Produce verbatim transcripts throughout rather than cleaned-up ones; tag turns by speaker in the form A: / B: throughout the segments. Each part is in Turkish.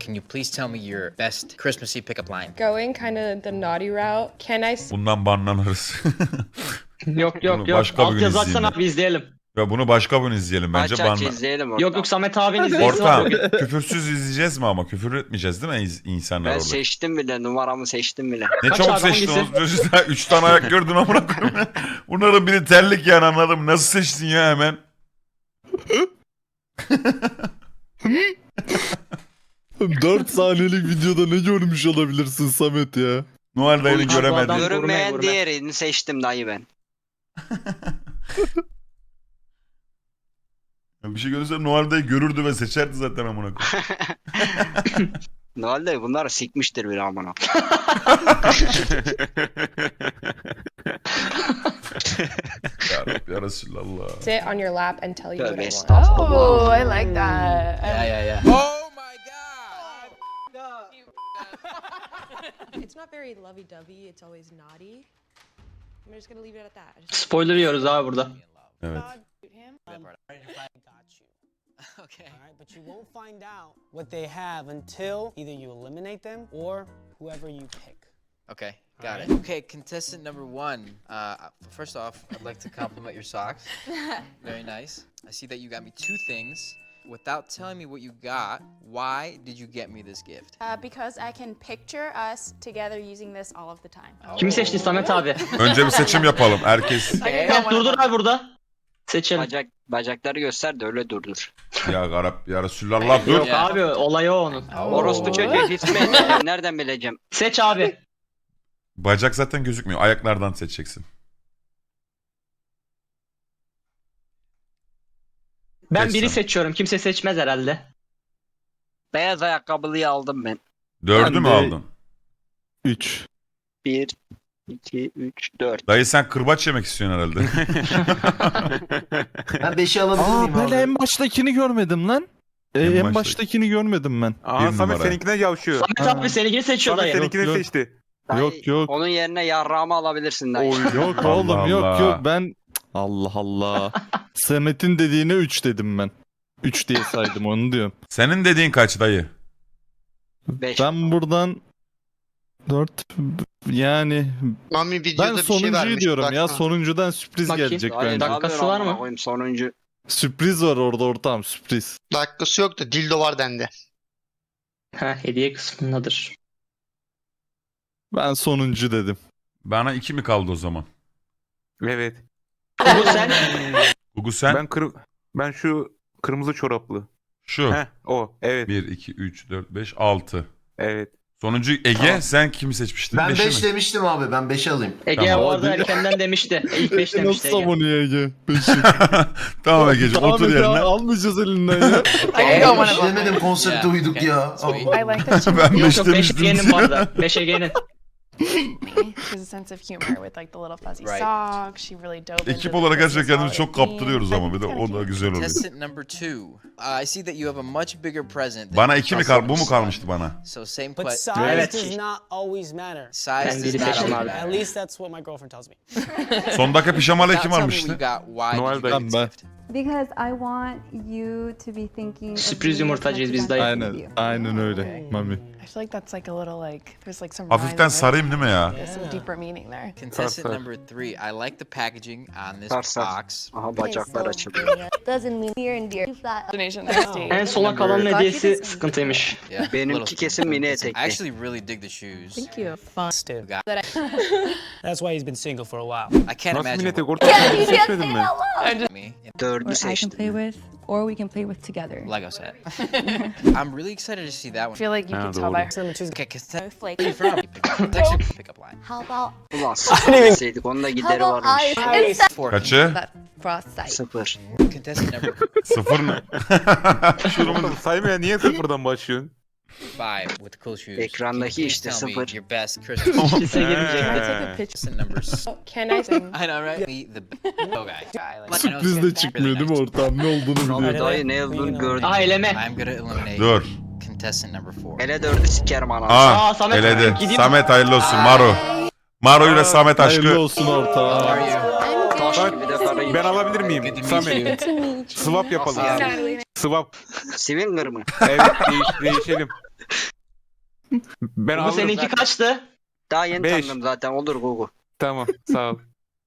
A: Can you please tell me your best Christmassy pickup line?
B: Going kind of the naughty route. Can I s-
C: Bundan banlanırız.
D: Yok yok
C: Bunu
D: yok.
C: başka bir
D: Alt
C: gün
D: yazı açsana
C: izleyelim.
D: abi izleyelim.
C: Ya bunu başka bir izleyelim bence.
E: Aç aç
C: Banla...
E: izleyelim ortam.
D: Yok yok Samet abinin izleyicisi var
C: Ortam
D: bugün.
C: küfürsüz izleyeceğiz mi ama? Küfür etmeyeceğiz değil mi iz- insanlar
E: Ben
C: orada?
E: seçtim bile, numaramı seçtim bile.
C: Ne
D: Kaç
C: çabuk
D: abi,
C: seçtin
D: hangisi?
C: oğlum çocuklar. Üç tane ayak gördün amına koyayım. Bunların biri terlik yani, anladım. Nasıl seçtin ya hemen?
F: dört saniyelik videoda ne görmüş olabilirsin Samet ya?
C: Noel dayını
D: Abi bu
C: göremedim.
D: adam-
E: Görünmeyen
D: gurme, gurme.
E: diğerini seçtim dayı ben.
C: Bir şey görürse Noel dayı görürdü ve seçerdi zaten amına koyayım.
E: Ne oldu? Bunlar sikmiştir bir amına.
C: Ya Rabbi ya Resulallah.
B: sit on your lap and tell you what
E: Tövbe
B: I want?
E: estağfurullah.
G: Oh, I like that.
A: Yeah, yeah, yeah.
E: Oh my god!
B: It's not very lovey-dovey. It's always naughty. I'm just gonna leave it at that. I just-
D: Spoiler yiyoruz abi burada.
C: Evet.
A: Okay.
H: Alright, but you won't find out what they have until either you eliminate them or whoever you pick.
A: Okay, got it. Okay, contestant number one. Uh, first off, I'd like to compliment your socks. Very nice. I see that you got me two things. Without telling me what you got, why did you get me this gift?
G: Uh, because I can picture us together using this all of the time.
D: Kimi seçtin Samet abi?
C: Önce bir seçim yapalım. Herkes
D: Evet durdur abi burada. Seçelim.
E: Bacak, bacakları göster de öyle durdur.
C: ya Garap ya Resulallah dur.
D: Yok abi olay o onun.
E: Orospu çocuğu hiç mi? Nereden bileceğim?
D: Seç abi.
C: Bacak zaten gözükmüyor. Ayaklardan seçeceksin.
D: Ben
C: Seç
D: biri
C: sen.
D: seçiyorum. Kimse seçmez herhalde.
E: Beyaz ayakkabılıyı aldım ben.
C: Dördü
F: Ben
C: mü
F: de-
C: aldın?
F: üç.
E: Bir, iki, üç, dört.
C: Dayı sen kırbaç yemek istiyorsun herhalde.
I: Ben beşi alabilir
F: Aa
I: miyim
F: ben
I: abi?
F: en baştakini görmedim lan. Ee,
C: En
F: en
C: baştaki.
F: baştakini görmedim ben.
C: Bir
J: Aa Samet
C: numara.
J: seninkinden yavşıyor.
D: Samet abi seninkini seçiyor
J: Samet
D: dayı.
J: seninkini
F: Yok, yok.
J: seçti.
E: Dayı,
F: Yok, yok.
E: Onun yerine yarrağımı alabilirsin dayı.
F: Yok
C: Allah
F: oğlum yok
C: Allah.
F: yok ben Allah Allah. Samet'in dediğine üç dedim ben. üç diye saydım onu diyorum.
C: Senin dediğin kaç dayı?
E: Beş.
F: Ben buradan dört yani
I: Mami
F: ben
I: videoda bir şey
F: sonuncuyu
I: vermiş.
F: diyorum ya
I: baksana.
F: sonuncudan sürpriz
D: Bakayım.
F: gelecek
E: Dayı,
F: bence.
E: ne
D: Dakikası
E: yapıyorsun
D: var
E: amına
D: mı?
E: koyayım? Sonuncu.
F: Sürpriz var orada ortam sürpriz.
I: Dakikası yok da dildo var dendi.
D: Ha hediye kısmındadır.
F: Ben sonuncu dedim.
C: Bana iki mi kaldı o zaman?
J: Evet.
D: Bu sen.
C: Gugu sen?
J: Ben kır ben şu kırmızı çoraplı.
C: Şu.
J: Heh o. Evet.
C: bir, iki, üç, dört, beş, altı.
J: Evet.
C: Sonuncu Ege.
I: Tamam.
C: Sen kimi seçmiştin?
I: Ben
C: Beşi
I: beş
C: mi?
I: demiştim abi. Ben beşi alayım.
D: Ege
C: Tamam.
D: o arada
F: Hadi.
D: erkenden demişti. İlk beş
F: Nasıl
D: demişti Ege.
F: savunuyor Ege? Beşi.
C: Tamam Ege'ciğim
F: Tamam
C: otur
F: Ege,
C: yerine.
F: almayacağız elinden ya.
G: I can go one
I: Hiç
G: of them.
I: demedim konsepte
A: Yeah,
I: uyduk
A: okay,
I: ya.
A: sweet.
I: Allah.
G: I like that she
C: Ben
D: Yok
C: beş
D: yok beş
C: demiştim.
D: Ege'nin bu arada. beş Ege'nin.
G: has a sense of humor with like the little fuzzy
A: Right.
G: socks. She really dove into
C: Ekip
G: the
C: olarak gerçekten
G: Christmas
C: kendimizi çok
G: holiday
C: kaptırıyoruz
G: theme.
C: ama bir de
G: I think
C: o
G: it's
C: da
G: kinda
C: güzel oluyor.
A: Contestant number two. Uh, I see that you have a much bigger present. than
C: Bana iki mi
A: Russell
C: kal? Bu mu
A: Wilson.
C: kalmıştı bana?
A: So same
H: But
A: question.
H: size
D: Evet.
H: does not always matter.
A: Size
D: Ben
A: does
D: biri
A: not
D: seçtim
A: always
D: abi.
H: At
A: matter.
H: least that's what my girlfriend tells me.
C: Son dakika pijamalı
A: Now
C: kim
A: tell me what
C: almıştı?
A: you got. Why
J: Noel
A: did you
J: Bey.
A: get this
F: Ben-
A: gift?
K: Because I want you to be thinking of
D: Sürpriz
K: me
D: yumurtacıyız
K: as much
D: biz
K: as I
D: dayı.
K: think of
F: Aynen
K: you.
F: aynen öyle Mami.
G: I feel like that's like a little like there's like some
C: Hafiften
G: rhyme
C: sarayım değil mi ya?
G: there. There's some deeper meaning there.
A: Contestant
J: Sar, sar.
A: number three. I like the packaging on this
E: Sar, sar.
A: box.
E: Aha bacaklar açıldı.
K: Doesn't mean near and dear. That
G: Destination next day.
D: En sona kalanın hediyesi sıkıntıymış.
A: Yeah.
E: Benimki
A: little-
E: kesin mini
A: I
E: etekli.
A: actually really dig the shoes.
G: Thank you.
H: Still.
A: Got-
H: That's why he's been single for a while.
A: I can't
J: Nasıl
A: imagine
J: millete
A: what
J: ortak seçmedin mi?
A: me.
E: Dördü seçtim.
K: with, or we can play with together.
A: Lego set. I'm really excited to see that
G: I
A: one.
G: feel like you
J: Ah,
G: can tell
J: doğru.
G: by her
H: Number two's
A: Okay, contestant.
G: flake.
A: Where are you from? It's actually a pickup line.
K: How about
E: Ulan sıfır onun da gideri
K: how about
E: varmış.
K: I instead
A: Four.
C: Kaçı?
K: that frost sight?
E: Sıfır.
A: Contestant number
C: Sıfır mı?
J: Oğlum saymaya niye sıfırdan başlıyorsun?
A: five with cool shoes.
E: Ekrandaki
A: Can you
E: işte
A: tell me
E: sıfır.
A: Your best Christmas.
D: Kimse
A: gift?
D: girmeyecek.
G: Can I take a
J: He.
G: picture?
A: Contestant numbers.
B: Can I sing?
A: I know, right? Be the oh guy.
G: Guy, like,
F: Sürpriz de çıkmıyor değil mi ortam ne olduğunu
E: Abi
F: biliyor.
E: dayı ne olduğunu gördüm.
D: Aa eleme.
A: I'm gonna eliminate
C: Dur.
A: contestant number four.
E: Hele dördü sikerim ananı.
C: Aa,
D: Aa, Samet,
C: eledi.
D: gideyim.
C: Samet hayırlı olsun Maro. Maro ile Samet
F: Hayırlı
C: aşkı.
F: olsun
A: How
F: ortam.
A: are you?
E: Taş gibi de karayım.
J: Ben alabilir miyim?
A: Good to meet you.
J: Samet. Swap yapalım.
E: Nasıl yani?
J: Swap.
E: Swinger mı?
J: Evet değiş değişelim. Ben
D: Bu
J: alırım.
D: seninki kaçtı?
E: Daha yeni
J: Beş.
E: tanıdım zaten olur Gugu.
J: Tamam sağ ol.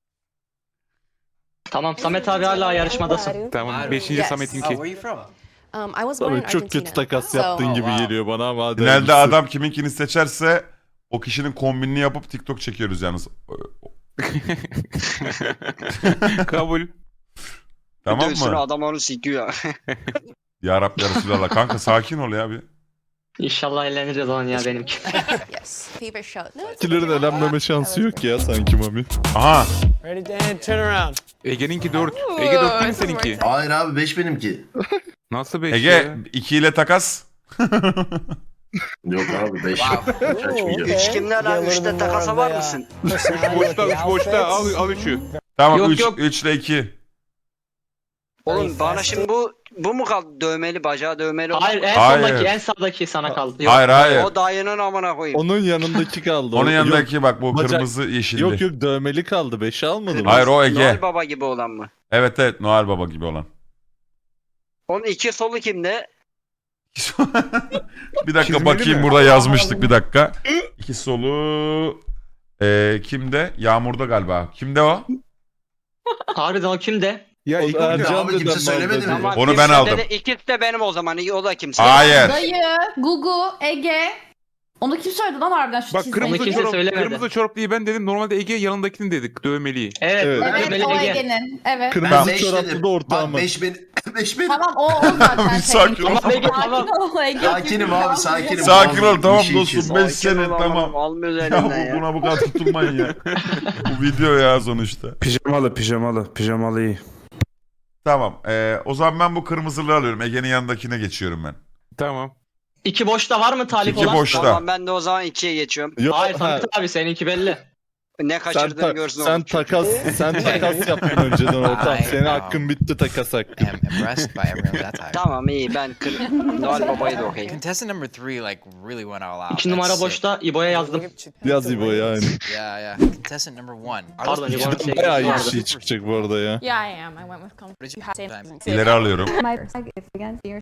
D: Tamam Samet abi hala yarışmadasın.
J: Tamam. Beşinci
B: Yes.
J: Samet'inki.
A: Oh, where are you from?
B: Um, I was born in
F: Sana çok
B: Argentina.
F: kötü takas
B: So-
F: yaptığın gibi
A: wow.
F: geliyor bana ama hadi.
C: Finalde
F: hayırlısı.
C: adam kiminkini seçerse o kişinin kombinini yapıp TikTok çekiyoruz yalnız.
J: Kabul.
C: Tamam
E: Dövsün
C: mı?
E: adam onu sikiyor.
C: Ya Rabbi ya Resulallah. Kanka sakin ol ya bir.
D: İnşallah eğleniriz lan ya benimki.
G: Yes. Favorite show. No, it's
F: Kilerin elenmeme şansı yok ya sanki Mami.
C: Aha.
H: Ready, Dan? Turn around.
J: Ege'ninki dört. Ege dört değil mi seninki?
I: Hayır abi beş benimki.
J: Nasıl beş
C: Ege
J: ya?
C: iki ile takas.
I: Yok abi beş.
A: Wow.
I: Hiç açmayacağım.
E: Üç kimler
H: Get a
E: abi?
H: little
E: Üçte
H: bit
E: takasa
H: more
E: var
H: of
E: mısın?
H: the, uh, personality with
J: Boşta
H: the
J: üç boşta al,
H: outfits.
J: al üçü.
C: Tamam
D: Yok,
C: üç
D: yok.
C: üç ile iki.
E: Oğlum bana şimdi bu bu mu kaldı? Dövmeli, bacağı dövmeli olan
D: Hayır
E: mı?
D: en
C: Hayır.
D: sondaki en sağdaki sana kaldı. Yok.
C: Hayır hayır.
E: O dayının amına koyayım.
F: Onun yanındaki kaldı.
C: Onun
F: O-
C: yanındaki bak bu
F: Bacak-
C: kırmızı yeşilli.
F: Yok yok dövmeli kaldı. beşi almadı mı?
C: Hayır o Ege.
E: Noel Baba gibi olan mı?
C: Evet evet Noel Baba gibi olan.
E: Onun iki solu kimde?
C: Bir dakika
J: Çizmeli
C: bakayım
J: mi?
C: burada yazmıştık bir dakika. İki solu e, kimde? Yağmur'da galiba. Kimde o?
D: Harbiden o kimde?
J: Ya
F: O
J: Ege
F: Ercan
J: bir de-
I: Abi kimse
F: dedem
I: söylemedi
F: vardı.
I: mi?
E: Ama
C: Onu
E: bir
C: ben
E: sende
C: aldım.
E: de İkisi de benim o zaman. O da kimse.
C: Hayır.
K: Dayı, Gugu, Ege. Onu kim söyledi lan harbiden şu
J: Bak
K: çizmeyi?
J: kırmızı
D: kimse
J: çorap,
D: söylemedi.
J: kırmızı çoraplığı ben dedim. Normalde Ege yanındakini dedik. Dövmeliyi.
D: Evet.
F: Evet.
K: Evet
D: dövmeli
K: o
D: Ege.
K: Ege'nin. Evet.
F: Kırmızı
I: beş
F: çoraplı
I: dedim.
F: da ortağımı.
I: Bak beş benim. beş benim.
K: Tamam o, o zaten.
C: Bir sakin ol.
D: Tamam Ege tamam.
K: Sakin ol Ege.
I: Sakinim abi sakinim.
C: Sakin ol tamam
I: Bir şey için.
C: dostum. beş
E: Sakin
C: sene
E: ol,
C: tamam.
E: Almıyoruz
C: Ya
E: elinden
C: bu,
E: ya.
C: buna bu kadar tutulmayın ya. Bu video ya sonuçta.
J: Pijamalı pijamalı. Pijamalı iyi.
C: Tamam. E, o zaman ben bu kırmızılı alıyorum. Ege'nin yanındakine geçiyorum ben.
J: Tamam.
D: İki boşta var mı talip
C: İki
D: olan?
C: boşta.
E: Tamam ben de o zaman ikiye geçiyorum.
F: Yok,
D: Hayır
F: ha,
D: Samet abi seninki belli.
E: Ne
F: sen,
E: kaçırdığını
F: ta-
E: görsün
F: sen
E: oğlum.
F: takas sen takas yaptın önceden ortam.
A: Ay,
F: Senin
A: no.
F: hakkın bitti takas hakkı.
A: am impressed by everyone that time.
E: Tamam iyi ben kır... Noel Baba'yı da okey.
A: Contestant number three like really went all out.
D: İki numara
A: That's sick.
D: boşta İbo'ya yazdım.
F: Yaz İbo yani.
A: Yeah, yeah. Contestant number one. I was
D: Pardon, İbo'nun şey
F: Bayağı iyi bir
D: vardı.
F: şey çıkacak bu arada ya.
G: Yeah, I am. I went with comfort.
A: What did
G: You
A: you
G: have
A: have?
C: İleri alıyorum.
K: My flag is against your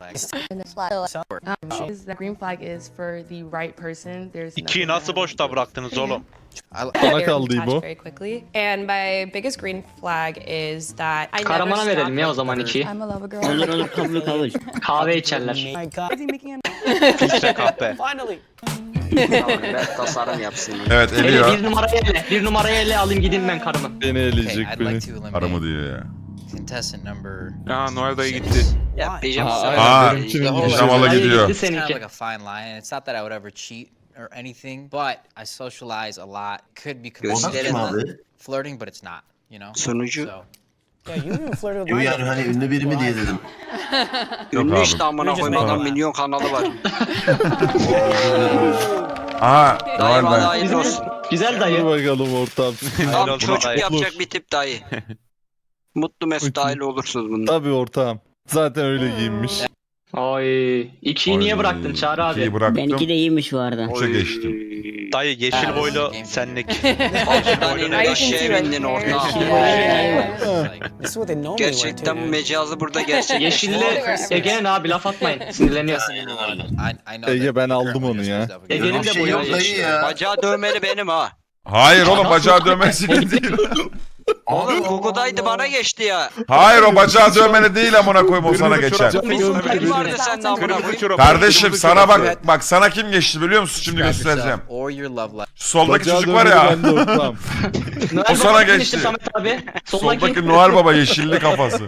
B: Um, is the green flag is for the right person. There's
L: İkiyi nasıl boşta bıraktınız oğlum?
A: I,
F: Sana kaldı İbo.
B: very quickly. And my biggest green flag is that I never
D: Kahramana
B: stop
D: verelim ya o
B: like
D: zaman
B: other-
D: ikiyi.
K: I'm a lover girl.
E: Olur olur kabul kabul.
D: Kahve içerler.
H: My God.
K: Is he making a
L: Filtre kahpe.
H: Finally.
E: Tamam ben tasarım yapsın.
C: Evet
D: Ele
C: eliyor.
D: bir numarayı ele. Bir numarayı ele alayım gideyim ben karımı.
F: Beni
A: okay,
F: eleyecek
A: I'd
F: beni.
A: like to eliminate
C: Arama diyor ya.
A: contestant number
J: Aa Noel dayı
A: six.
J: gitti.
E: Ya pijama
F: Aa,
E: sarı.
C: Aa,
F: benimkinin
A: Pijamalı
C: Pijamalı
D: Hayır,
C: gidiyor.
D: gitti
A: It's kind of
D: seninki.
A: like a fine line, and it's not that I would ever cheat or anything, but I socialize a lot. Could be
I: O da
A: considered
I: kim abi?
A: flirting, but it's not. You know.
E: Sunucu.
A: So
H: Yeah, you even flirted with
I: Yo
H: my
I: yani hani ünlü biri mi diye dedim.
C: Yok
E: Ünlü
C: abi.
E: işte amına
H: Just
E: koyayım adam
H: make-
E: milyon kanalı var.
C: Aha
E: Dayı
C: Noel
E: bana
C: ben.
E: hayırlı olsun.
D: Güzel
F: Dur
D: dayı.
F: bakalım ortam.
E: Tam
L: olsun
E: çocuk
L: dayı.
E: yapacak bir tip dayı. Mutlu mesut aile olursunuz bunda.
F: Tabii ortağım. Zaten öyle giyinmiş.
D: Ay, ikiyi niye
C: Ay,
D: bıraktın Çağrı
C: ikiyi
D: abi?
C: bıraktım.
E: iyiymiş bu arada.
C: Üçe geçtim.
L: Dayı yeşil boylu senlik.
E: Altından inin aşağıya bindin ortağım.
A: like,
H: This is what they normally wear
E: Gerçekten
H: too.
E: mecazı burada gerçek.
D: Yeşilli Ege'nin abi laf atmayın. Sinirleniyor.
A: I, I know
F: Ege,
A: that
F: ben
A: the
F: aldım
A: current
F: onu
A: winner
F: ya.
A: is up against-
D: Ege'nin
I: Bir
D: de
I: şey
D: boyu
I: yok
D: var.
I: dayı ya.
E: Bacağı dövmeli benim ha.
C: Hayır oğlum bacağı dövmesi değil.
E: Oğlum
I: Allah
E: Google'daydı
I: Allah.
E: bana geçti ya.
C: Hayır o bacağı dövmeli değil amına koyayım o sana
J: Kırmızı
C: geçer.
J: çorap.
E: Kim vardı sende amına
J: Kırmızı
E: koyayım?
J: çorap.
C: Kardeşim
J: Kırmızı
C: sana
J: çorap.
C: bak bak sana kim geçti biliyor musun? Şimdi
A: Describe
C: göstereceğim.
A: yourself or your love life.
C: Şu soldaki
F: Bacağı
C: çocuk var
F: dönmeli
C: ya.
F: ben de ortağım.
D: Noel
C: O sana
D: Baba
C: geçti.
D: işte Samet abi. Soldaki.
C: Soldaki Noel Baba yeşilli kafası.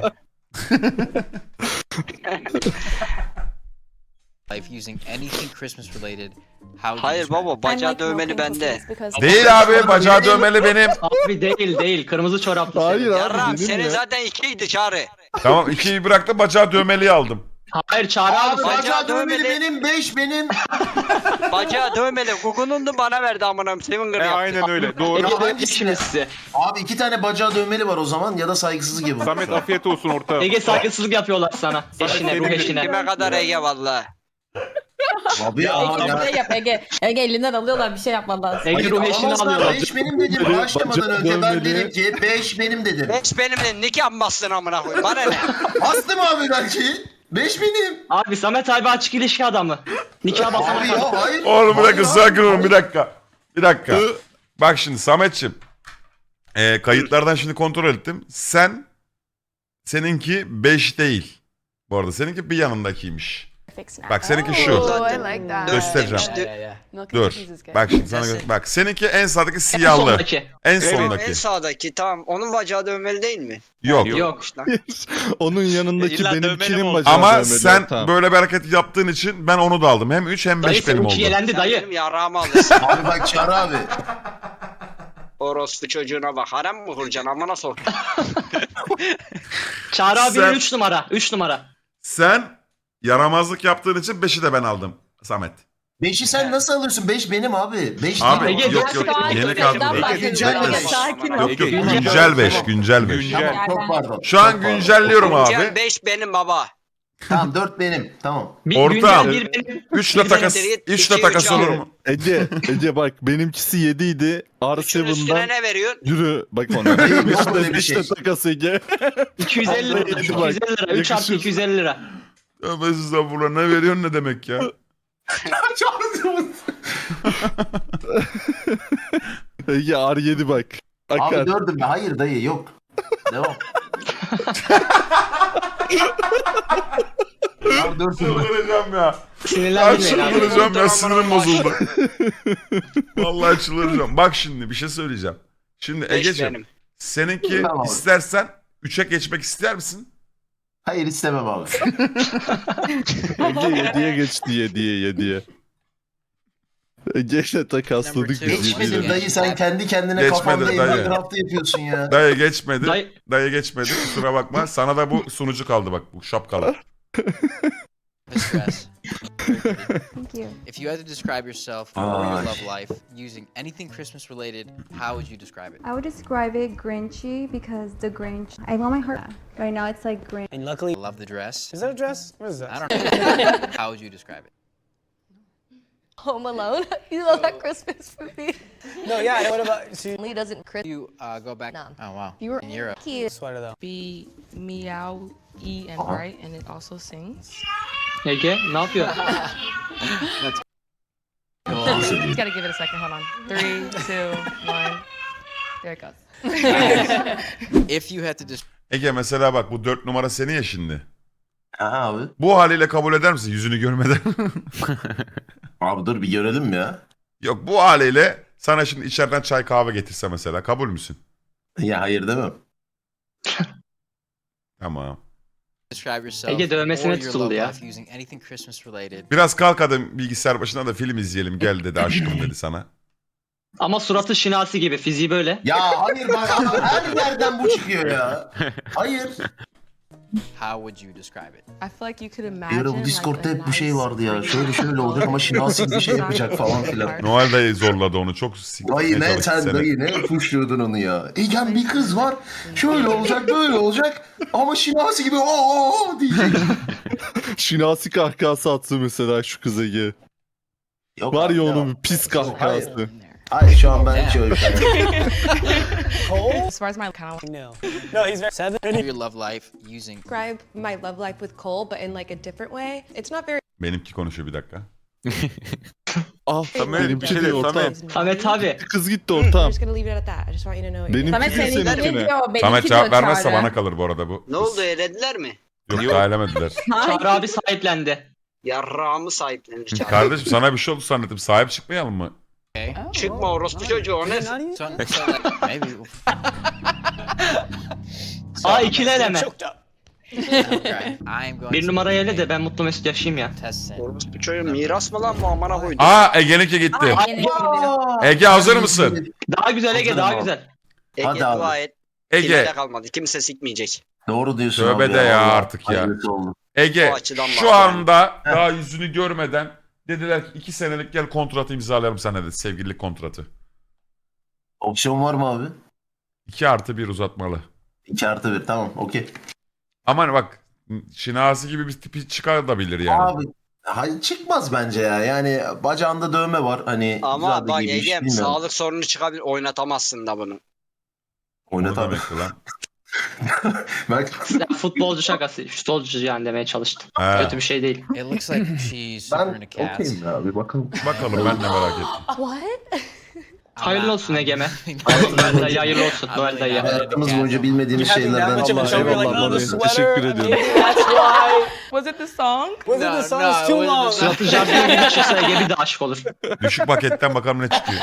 A: Life using anything Christmas related. How do you
E: Hayır
A: describe
E: baba
A: it?
E: bacağı dövmeli bende.
C: Değil abi bacağı dövmeli benim.
D: Abi değil değil. Kırmızı çoraplı.
F: Hayır
D: senin.
F: abi.
E: Yarram
F: benim
E: senin
F: ya.
E: zaten ikiydi Çağrı.
C: Tamam ikiyi bıraktım bacağı dövmeliyi aldım.
D: Hayır Çağrı abi.
I: Abi
D: sen-
I: bacağı dövmeli
E: dövmeli.
I: benim beş benim.
E: Bacağı dövmeli. Google'un da bana verdi amına koyayım. Seven
J: E,
E: Gır yaptı.
J: aynen öyle. Doğru.
D: Ege de
I: Hangisini?
D: şimdi size.
I: Abi iki tane bacağı dövmeli var o zaman ya da saygısızlık yapın.
J: Samet afiyet olsun orta.
D: Ege saygısızlık yapıyorlar sana. Eşine, ruh eşine.
E: Kime kadar Ege valla.
I: Abi ya ama ya.
K: yap Ege. Ege elinden alıyorlar bir şey yapman lazım.
D: Ege ruh eşini alıyorlar.
I: beş benim dedim.
F: Böyle
I: Başlamadan
F: bacağı
I: önce ben
F: dövmeli.
I: dedim ki beş benim dedim.
E: Beş benimle nikah mı bastın amına koyayım? Bana ne?
I: Bastım abi belki. beş benim.
D: Abi Samet abi açık ilişki adamı. Nikah basana
I: Abi
D: kadar.
I: ya hayır.
C: Oğlum bir dakika
I: Hayır
C: sakin
I: abi.
C: olun bir dakika. Bir dakika. Bak şimdi Sametçim. Ee, kayıtlardan şimdi kontrol ettim. Sen seninki beş değil. Bu arada seninki bir yanındakiymiş.
G: Fix now.
C: Bak seninki şu.
G: Oh, I like that.
C: Göstereceğim.
E: Demişti.
G: Milk and
C: Dur.
G: cookies is good.
C: Bak şimdi sana gö- bak seninki en sağdaki
D: En
C: siyahlı.
D: sondaki.
C: En
E: En
C: sondaki.
E: sağdaki tamam. Onun bacağı dövmeli değil mi?
C: Yok.
D: Yok.
E: İşte.
F: Onun yanındaki
L: İlla dövmeli mi
F: benimkinin
L: olacak?
F: bacağı
C: Ama
F: dövmeli.
C: sen
F: Tamam.
C: böyle bir hareket yaptığın için ben onu da aldım. Hem üç hem
D: Dayı
C: beş benim
D: seninki
C: oldu.
D: yelendi
E: Sen
D: dayı.
E: benim yarağımı alırsın.
I: Abi bak Çağrı abi.
E: Orospu çocuğuna bak. Harem mi kuracaksın? Amına sok.
D: Çağrı abi
C: Sen-
D: üç numara. üç numara.
C: Sen yaramazlık yaptığın için beşi de ben aldım Samet.
I: Beşi sen nasıl alıyorsun? Beş benim abi. Beş
C: Abi
I: değil.
D: Ege,
C: yok yok
D: sakin
C: yeni
D: ol.
C: kaldı.
D: Egeden
C: Yok
I: bahsediyorum.
C: yok,
I: Ege,
B: sakin ol.
C: yok, yok
D: Güncel-
C: güncel beş güncel beş.
I: Tamam çok pardon.
C: Şu an
I: Çok pardon.
C: güncelliyorum
E: Güncel
C: abi.
E: beş benim baba.
I: Tamam dört benim. Tamam.
D: Bir
C: Ortağım.
D: güncel bir benim.
C: üçle takas
E: Siktir git,
C: üçle
E: iki,
C: takas
E: üç
C: olur
E: al.
C: mu?
F: Ece, Ece bak benimkisi yedi idi. R
E: Üçün üstüne
F: seven'dan
E: ne veriyorsun?
F: yürü bak ona.
I: Yok öyle
F: Beşle
I: bir
F: beşle
I: şey.
F: takas Ege.
D: iki yüz elli lira.
F: Vallahi
D: iki yüz
F: bak,
D: elli lira. üç artı
F: yakışır.
D: iki yüz elli lira.
C: Tövbe estağfurullah ne veriyorsun ne demek ya?
F: Ege R yedi bak. Akar.
I: Abi dördüm ben. Hayır dayı yok. Devam. Abi dördüm ben.
C: Çıldıracağım ya. Ya
D: Sinirlenmeyin abi.
C: çıldıracağım ya sinirim
E: Aman
C: bozuldu. Vallahi çıldıracağım. Bak şimdi bir şey söyleyeceğim. Şimdi
E: Beş
C: Ege'ciğim
E: benim.
C: seninki
I: Tamam.
C: istersen üçe geçmek ister misin?
I: Hayır istemem abi.
F: Ege yediye geçti yediye yediye. Ege'yle takasladık
A: Number two.
F: biz
I: Geçmedi
F: yediye.
I: dayı sen kendi kendine
C: Geçmedi
I: kafanda
C: dayı.
I: evden draftı yapıyorsun ya.
C: Dayı geçmedi.
D: Dayı-
C: Dayı geçmedi. Kusura bakma. Sana da bu sunucu kaldı bak. Bu şapkalı.
A: This dress.
G: Thank you.
A: If you had to describe yourself or your
I: Ay.
A: love life using anything Christmas related, how would you describe it?
K: I would describe it Grinchy because the Grinch. I want my heart. Right now it's like Grinch.
H: And luckily,
A: I love the dress.
H: is that a dress? What is that?
A: I don't know. How would you describe it?
B: Home Alone. You love that Christmas movie.
H: No, yeah. What about see,
B: Lee doesn't Chris.
A: You uh, go back.
B: None.
A: Oh wow.
B: You were
A: in Europe.
B: cute.
H: sweater though?
B: B meow e and bright, and it also sings.
D: Ege ne yapıyor?
B: Just gotta give it a second. Hold on. Three, two, one. There it goes.
A: If you had to describe
C: Ege mesela bak bu dört numara senin ya şimdi.
I: Aha abi.
C: Bu haliyle kabul eder misin yüzünü görmeden?
I: Abi dur bir görelim ya.
C: Yok bu haliyle sana şimdi içeriden çay kahve getirse mesela kabul müsün?
I: Ya hayır demem.
C: Tamam.
A: describe yourself
D: Ege dövmesine
A: or your
D: tutuldu
A: love
D: ya.
A: life using anything Christmas related,
C: Biraz kalk hadi bilgisayar başına da film izleyelim gel dedi aşkım dedi sana.
D: Ama suratı şinasi gibi. Fiziği böyle.
I: Ya hayır bak abi her yerden bu çıkıyor ya. Hayır.
A: how would you describe it?
B: I feel like you could
I: Bir
B: imagine.
I: ara bu Discord'da
B: like,
I: hep
B: a
I: bu şey
B: nice
I: vardı ya.
B: green
I: Şöyle şöyle olacak ama şinasi bir şey yapacak falan filan.
C: Noel dayı zorladı onu çok siktirmeye
I: Dayı ne
C: çalıştı
I: sen
C: seni.
I: dayı ne puşluyordun onu ya. Egen bir kız var. Şöyle olacak böyle olacak. Ama şinasi gibi o o o diyecek.
F: Şinasi kahkahası attı mesela şu kız Ege.
I: Yok
F: Var
I: abi,
F: ya
I: devam.
F: onun bir pis kahkahası.
I: Hayır şu an ben şöyle.
H: Cole?
B: As far as my kind of
H: No. No, he's very seven.
A: Your love life using
B: describe my love life with Cole, but in like a different way. It's not very.
C: Benimki konuşuyor bir dakika.
F: Ah
J: Samet,
F: benimki
J: bir şey
F: değil
J: de,
F: ortam.
J: Samet.
D: Samet abi.
F: Kız gitti
B: I'm
F: ortam.
B: just gonna leave it at that. I just want you to know. What
F: Benimki
K: Samet
F: değil
K: seninki
F: seninkine.
K: diyor. Benimki
C: Samet cevap
K: diyor
C: vermezse
K: Çağrı.
C: bana kalır bu arada bu.
E: Ne oldu elediler mi?
C: Yok
J: Yok.
C: daha elemediler.
D: Çağrı abi sahiplendi.
E: Yarrağımı sahiplenir çağır.
C: Kardeşim sana bir şey oldu zannettim sahip çıkmayalım mı?
A: okay.
E: Çıkma orospu çocuğu o ne?
A: So, so like, maybe so,
D: Aa ikili eleme.
H: Choked up.
A: okay. I am going
D: Bir
A: to
D: numarayı ele de ben mutlu mesut yaşayayım ya.
A: test it.
E: Orospu çocuğu miras mı lan bu amına koydu?
C: Aa Ege'ninki gitti. Ege hazır mısın?
D: Daha güzel Ege
I: Hazırım
D: daha
I: abi.
D: güzel.
E: Ege
I: Hadi abi.
E: dua et.
C: Ege.
E: Kimse kalmadı. Kimse sikmeyecek.
I: Doğru diyorsun
C: Tövbe
I: abi
C: de ya
I: vallahi.
C: artık ya.
I: Hayırlısı oldu.
C: Ege
E: O açıdan
C: şu
E: bak
C: anda daha yüzünü görmeden dediler ki iki senelik gel kontratı imzalayalım sana dedi sevgililik kontratı.
I: Opsiyon var mı abi?
C: iki artı bir uzatmalı.
I: iki artı bir tamam okey.
C: Aman bak Şinasi gibi bir tipi çıkartabilir yani.
I: Abi hayır, çıkmaz bence ya. Yani bacağında dövme var. Hani
E: Ama
I: güzel de
E: bak
I: giymiş,
E: Ege'm
I: bilmiyorum.
E: sağlık sorunu çıkabilir. Oynatamazsın da bunu.
C: O ne
I: Oynat abi.
C: demekti lan?
I: Bak
D: Ya, futbolcu şakası. Futbolcu yani demeye çalıştım.
C: Ha.
D: Kötü bir şey değil.
A: It looks like she's super
I: ben
A: into cats.
I: okeyim ya bir bakalım.
C: Bakalım ben de merak ettim.
G: What?
D: Hayırlı olsun Egemen. Noel dayı hayırlı olsun. Noel dayı.
I: Hayatımız boyunca bilmediğimiz şeylerden
F: Allah eyvallah Mami. Teşekkür ediyorum.
H: That's why.
B: Was it the song?
H: Was
A: No,
H: it the song?
A: no,
H: It's too
A: it wasn't
H: long.
A: the song.
D: Suratı jardine gibi çıksa Ege bir de aşık olur.
C: Düşük paketten bakalım ne çıkıyor.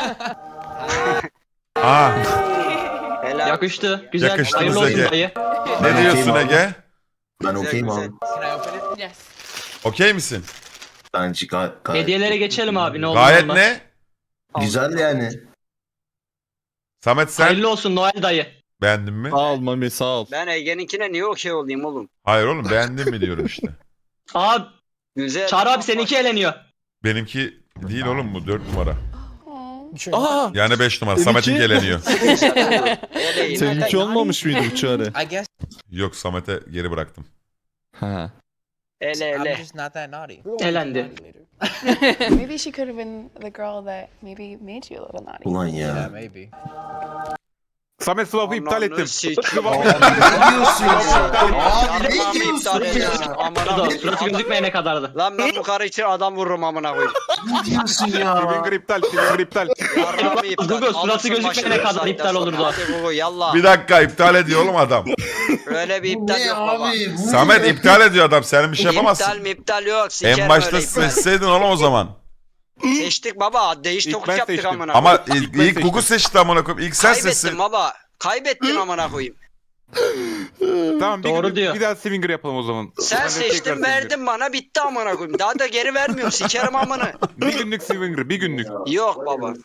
C: Aa,
E: Helal.
D: Yakıştı. Güzel.
C: Yakıştı
D: Hayırlı
C: bize
D: olsun
C: Ege.
D: dayı.
C: ne diyorsun Ege?
I: Ben okeyim abi.
A: Can I open it?
B: Yes.
C: Okey misin?
I: Bence gayet, gayet
D: Hediyelere geçelim abi ne olur
C: Gayet
D: olmaz.
C: ne?
I: güzel yani.
C: Samet sen
D: Hayırlı olsun Noel dayı.
C: beğendin mi?
F: Sağ ol Mami sağ ol.
E: Ben Ege'ninkine niye okey olayım oğlum?
C: Hayır oğlum beğendin mi diyorum işte.
D: Abi
E: Güzel.
D: Çağrı abi seninki eleniyor.
C: Benimki değil oğlum bu dört numara.
F: Aa!
C: Yani beş numara.
F: Benimki-
C: Samet'in geleniyor.
E: Eleyin.
F: Seninki olmamış mıydı bu çare?
A: I guess
C: Yok Samet'e geri bıraktım.
F: Ha.
E: Ele
A: I'm
E: ele.
A: just not that naughty.
D: Elendi.
G: Maybe she could have been the girl that maybe made you a little naughty.
I: Ulan
A: Yeah,
I: ya.
A: maybe.
J: Samet swap'ı iptal
E: Ananı
J: ettim.
E: sikeyim.
I: Abi ne diyorsun ya? Abi ne
E: Yarrağımı
I: diyorsun
E: iptal ediyorsun.
I: ya?
E: Amına
D: Suratı,
E: koyayım.
D: suratı gözükmeyene kadardı.
E: Lan ben bu karı için adam vururum amına koyayım.
I: Ne diyorsun ya?
J: Swinger iptal, Swinger iptal.
E: Yarrağımı iptal.
D: Google, suratı
E: Alırsın
D: gözükmeyene
E: başını
D: kadar
E: saatten
D: iptal
E: sonra.
D: olurdu.
E: Hadi Google yallah.
C: Bir dakika iptal ediyor oğlum adam.
E: Öyle bir
I: Bu
E: iptal
I: ne
E: yok baba.
I: abi? Bu
C: Samet
I: ne?
C: iptal ediyor adam. Sen bir şey
E: İptal
C: yapamazsın.
E: mi iptal yok. Sikerim
C: En başta
E: öyle iptal.
C: seçseydin oğlum o zaman.
E: Seçtik baba. Değiş
J: İlk
E: tokuş
J: ben
E: yaptık
J: seçtim.
E: amına
C: Ama
E: koyayım.
C: ilk, ilk Google seçti amına koyayım. İlk sen seçsin.
E: Kaybettin baba. Kaybettin amına koyayım.
J: Tamam bir,
D: Doğru
J: bir,
D: diyor.
J: bir daha Swinger yapalım o zaman.
E: Sen
J: Ben de tekrar
E: seçtin
J: Swinger.
E: verdin bana bitti amına koyayım. Daha da geri vermiyorum. Sikerim amına.
J: Bir günlük Swinger, bir günlük.
E: Yok baba.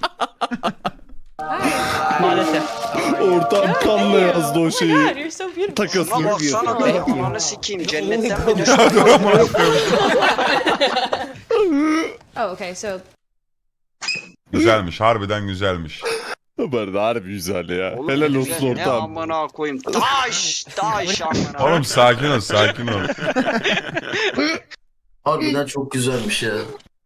D: Maalesef.
F: Ortam kanla yazdı o şeyi.
G: you're so beautiful.
F: Takasını
E: Ama
F: diyor.
E: baksana da ananı sikeyim. Cennetten mi düştün?
G: Oh, okay. So
C: Güzelmiş. Harbiden güzelmiş.
F: Bu arada harbi güzel ya.
E: Oğlum,
F: Helal
E: güzel.
F: olsun
E: Ne
F: ortam.
E: amına koyayım. Taş. Taş amına.
C: Oğlum sakin ol sakin ol.
I: Harbiden çok güzelmiş ya.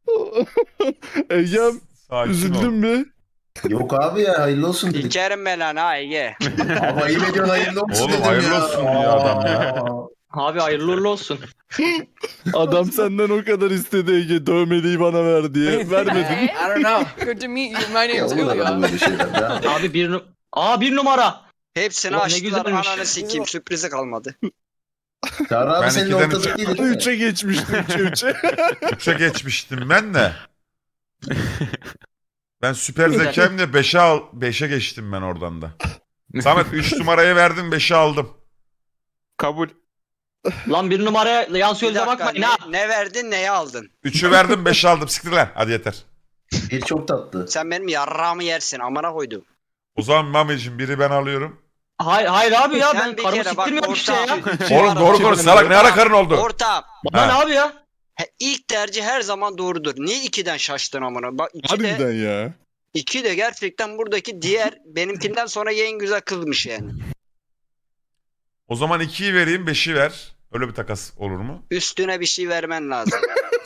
F: Egem
C: Sakin
F: üzüldün
C: ol.
F: mü?
I: Yok abi ya hayırlı olsun dedik.
E: Sikerim ben lan ha Ege.
I: Ama iyi ediyorsun hayırlı olsun
C: Oğlum,
I: dedim
C: hayırlı
I: ya.
C: olsun diyor adam ya.
D: Abi hayırlı uğurlu olsun.
F: Adam senden o kadar istedi Ege dövmeliği bana ver diye. Vermedin.
A: I don't know. Good to meet you. My
I: Ya
A: name's
I: olur
A: Julio.
I: adam böyle şeyler ya.
D: Abi bir nu- Aa bir numara.
E: Hepsini
D: Ulan ne
E: açtılar
D: güzelmiş.
E: ananı sikeyim. Sürprizi kalmadı.
I: Çağrı abi
C: Ben
I: senin
C: ikiden
I: ortada
C: üçe-
I: değilim.
F: Üçe geçmişti üçe üçe.
C: Üçe geçmiştim ben de. Ben süper zekayımla beşe al beşe geçtim ben oradan da. Samet üç numarayı verdim beşe aldım.
J: Kabul.
D: Lan bir numaraya yan
E: Bir
D: sözle
E: dakika
D: bakmayın
E: ne,
D: ha.
E: ne verdin neye aldın?
C: üçü verdim beşe aldım. Siktir lan. Hadi yeter.
I: Bir çok tatlı.
E: Sen benim yarrağımı yersin amına koydum.
C: O zaman Mami'cim biri ben alıyorum.
D: Hayır hayır abi ya
E: Sen
D: ben
E: bir
D: karımı
E: kere bak
D: siktirmiyorum işte ya.
E: ortağım.
C: Oğlum doğru konuş salak ne ara karın oldu?
E: Ortağım.
D: Lan
C: Ha.
D: abi ya.
E: He, ilk tercih her zaman doğrudur. Niye ikiden şaştın amına? Bak iki de,
F: Harbiden ya.
E: iki de gerçekten buradaki diğer benimkinden sonra en güzel kızmış yani.
C: O zaman ikiyi vereyim beşi ver. Öyle bir takas olur mu?
E: Üstüne bir şey vermen lazım.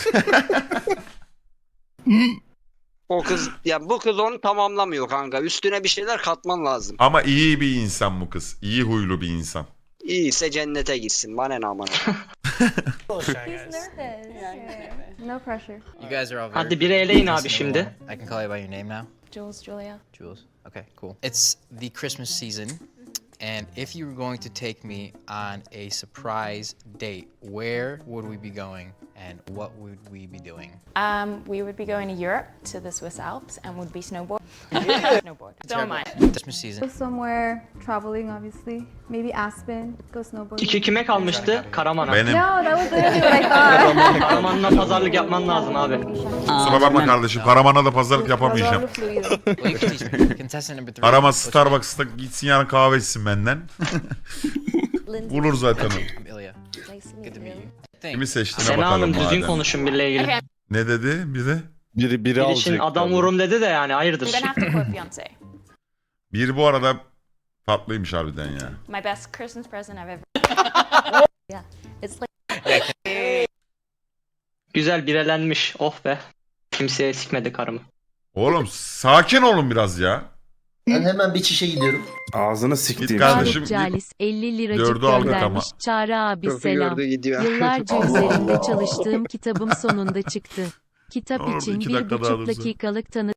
E: O kız ya bu kız onu tamamlamıyor kanka. Üstüne bir şeyler katman lazım.
C: Ama iyi bir insan bu kız. İyi huylu bir insan.
E: İyiyse cennete gitsin. Bana ne amına.
K: He's nervous. No pressure.
A: You guys are all very
D: Hadi biri eleyin abi
A: contestant
D: şimdi.
A: number one. I can call you by your name now.
G: Jules, Julia.
A: Jules. Okay, cool. It's the Christmas season, and if you were going to take me on a surprise date, where would we be going, and what would we be doing?
G: Um, we would be going to Europe to the Swiss Alps and would be snowboard. snowboard. So am I.
A: Christmas
K: Go
A: season.
K: somewhere traveling, obviously. Maybe Aspen. Go snowboarding.
D: İki kime kalmıştı? Karaman'a.
C: Benim.
K: No, that was literally what I thought.
D: Karaman'la pazarlık yapman lazım abi.
C: Kusura bakma kardeşim. Karaman'a da pazarlık yapamayacağım.
K: Pazarlı fluido.
A: Well, you can teach me. Contestant number three.
C: Karaman
A: What's your
C: Starbucks'ta gitsin yarın kahve içsin benden. Bulur zaten o.
A: name? Ilya. Good to meet you. Think.
C: Kimi seçtiğine
D: Sena
C: bakalım
D: Hanım düzgün
C: madem.
D: konuşun biriyle ilgili.
C: Ne dedi biri?
F: Biri biri
D: Bir
F: alacak.
D: için adam vurum dedi de yani hayırdır.
G: I'm gonna have to quote Beyonce.
C: Bir bu arada tatlıymış harbiden ya.
G: My best Christmas present I've ever. Yeah, it's like
D: Güzel birelenmiş. Oh be. Kimseye sikmedi karımı.
C: Oğlum sakin olun biraz ya.
I: Ben hemen bir çişe gidiyorum.
M: Ağzını
C: Git
M: siktiğim.
C: kardeşim.
N: Calis elli liracık
C: Dördü aldık
N: göndermiş.
C: ama.
N: Çağrı abi
E: Köprü
N: selam.
E: gördü gidiyor.
N: Yıllarca
I: Allah
N: üzerinde
I: Allah.
N: çalıştığım kitabım sonunda çıktı. Kitap
C: Orada
N: için
C: iki
N: bir
C: dakika daha
N: buçuk
C: dursa.
N: dakikalık tanı